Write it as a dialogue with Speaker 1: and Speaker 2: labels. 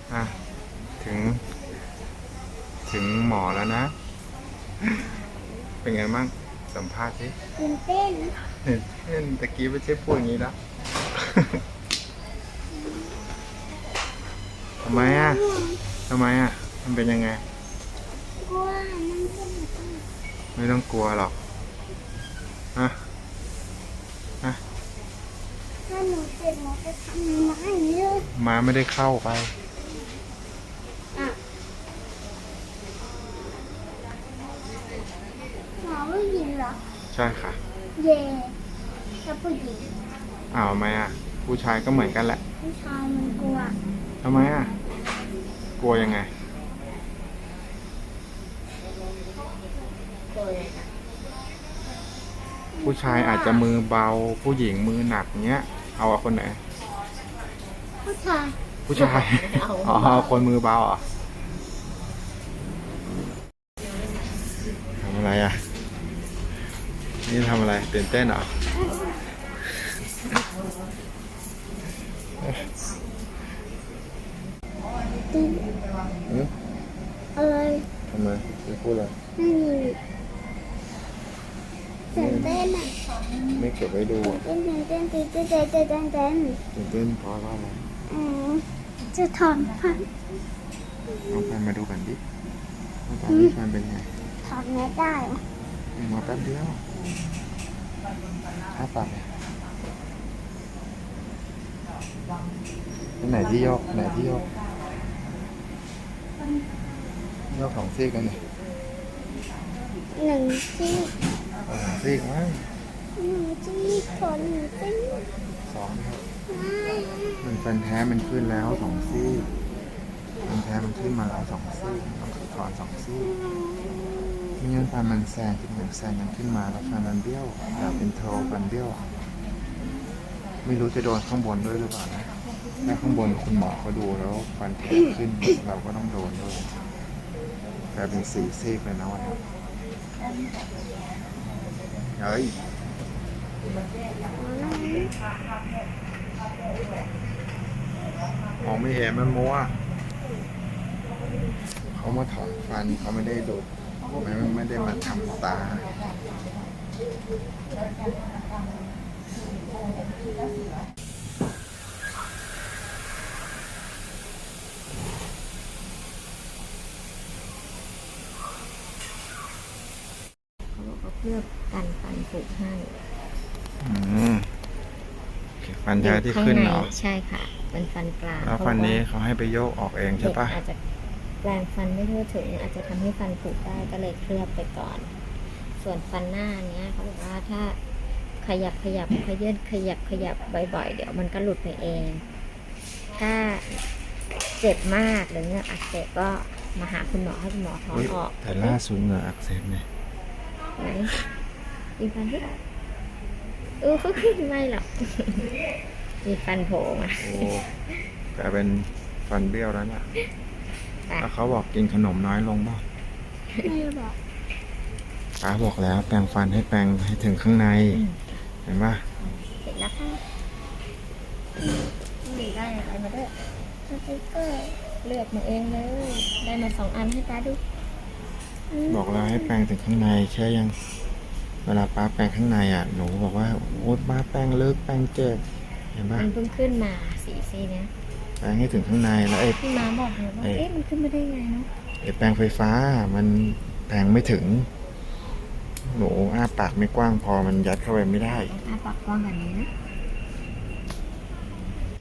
Speaker 1: อ่ะถึงถึงหมอแล้วนะ เป็นไงบ้างสัมภาษณ์สิ
Speaker 2: ตื่นเต้น
Speaker 1: ตะกี้ไม่ใช่พูดอย่างนี้แล้ว ทำไมอ่ะทำไมอ่ะมันเป็นยังไง
Speaker 2: กลัวมันเป็น
Speaker 1: ไม่ต้องกลัวหรอกฮะฮะ
Speaker 2: ถ้าหนูเจ็บหนูจะทำยังไงเนี่ย
Speaker 1: ม้าไม่ได้เข้าไป
Speaker 2: อ่ะหมอผู้หญิงเหรอ
Speaker 1: ใช่ค่ะ
Speaker 2: เย่ถ้าผู้หญิง
Speaker 1: อ้าวทำไมอ่ะ ผู้ชายก็เหมือนกันแหละ
Speaker 2: ผู้ชายมันกลัว
Speaker 1: ทำไมอ่ะ กลัวยังไง ผู้ชายอาจจะมือเบา ผู้หญิงมือหนักเงี้ย เอาคนไหน
Speaker 2: ผู้ชาย
Speaker 1: ผู้ชาย อ๋อเอาคนมือเบาเหรอ่ะทำอะไรอ่ะ นี่ทำอะไรตื่นเต้นเหรอ
Speaker 2: ตื่น
Speaker 1: อืม
Speaker 2: อะไร
Speaker 1: ทำไมไม่พูดเลย
Speaker 2: ไม่มีตื่นเต้นอ่ะ
Speaker 1: ไม่เก็บไว้ดูอ่ะ
Speaker 2: ตื่นเต้น
Speaker 1: ตื่นเต้นเพราะว่าอะไร
Speaker 2: อืมจะถอนฟัน
Speaker 1: เอาแฟนมาดูกันดิว่าตอนนี้แฟนเป็นไง
Speaker 2: ถอนไม่ได้อะ
Speaker 1: มาแป๊บเดียวถ้าปากเนี่ยไหนที่ยกไหนที่ยกยกของซีกกันเนี่ย
Speaker 2: หนึ่งซี่
Speaker 1: เอาของซีกมั้ง
Speaker 2: หนึ่งซี่ถอนหนึ่งซี่
Speaker 1: สองครับมันฟันแท้มันขึ้นแล้วสองซี่ฟันแท้มันขึ้นมาแล้วสองซี่ต้องถอนสองซี่ไม่งั้นฟันมันแซงขึ้นเหมือนแซงกันขึ้นมาแล้วฟันมันเบี้ยวแบบเป็นโทฟันเบี้ยวไม่รู้จะโดนข้างบนด้วยหรือเปล่านะถ้าข้างบนคุณหมอเขาดูแล้วฟันแท้ขึ้นเราก็ต้องโดนด้วยกลายเป็นสี่ซี่เลยนะวันนี้เฮ้ยมองไม่เห็นมันมัวเขามาถอนฟันเขาไม่ได้ดูดไม่ได้มาทำตา
Speaker 2: เขาบอกว่าเพื่อกันฟันผุให้
Speaker 1: ฟันแท้ที่ขึ้นเหรอ
Speaker 2: ใช่ค่ะเป็นฟันกลาง
Speaker 1: แล้วฟันนี้เขาให้ไปโยกออกเองใช่ปะ
Speaker 2: อาจจะแปลงฟันไม่ทั่วถึงอาจจะทำให้ฟันผุได้ก็เลยเคลือบไปก่อน ส่วนฟันหน้าเนี้ยเขาบอกว่าถ้าขยับขยับบ่อยๆเดี๋ยวมันก็หลุดไปเอง ถ้าเจ็บมากหรือเหงือกอักเสบก็มาหาคุณหมอให้คุณหมอถอนออก
Speaker 1: แต่ล่าสุดเหงื่ออักเสบเนี่ย
Speaker 2: ไหนมีฟันที่ไม่หรอก มีฟันโผล่มา
Speaker 1: โอ้กลายเป็นฟันเบี้ยวแล้วเนี่ยแล้วเขาบอกกินขนมน้อยลงป่ะ
Speaker 2: ไม่บอก
Speaker 1: ป้าบอกแล้วแปรงฟันให้แปรงให้ถึงข้างใน เห็นป่ะ
Speaker 2: เสร็จแล้วค่ะนี่ได้อะไรมาด้วยสติ๊กเกอร์เลือกมาเองเลย ได้มา2 อันให้ป้าดู
Speaker 1: บอกแล้วให้แปรงถึงข้างในแค่ยัง เวลาป้าแปรงข้างในอ่ะหนูบอกว่าโอ๊ยป้าแปรงลึกแปรงเจ็บเห็นป่ะ
Speaker 2: มันเพิ่งขึ้นมาสีซี่เนี้ย
Speaker 1: แปรงให้ถึงข้างในแล้วไอ้
Speaker 2: พี่ม้าบอกเลยว่ามันขึ้นมาได้ไงเนาะ
Speaker 1: แปรงไฟฟ้ามันแปรงไม่ถึง หนูอ้าปากไม่กว้างพอมันยัดเข้าไปไม่ได้
Speaker 2: อ้าปากกว้างแบบนี้นะ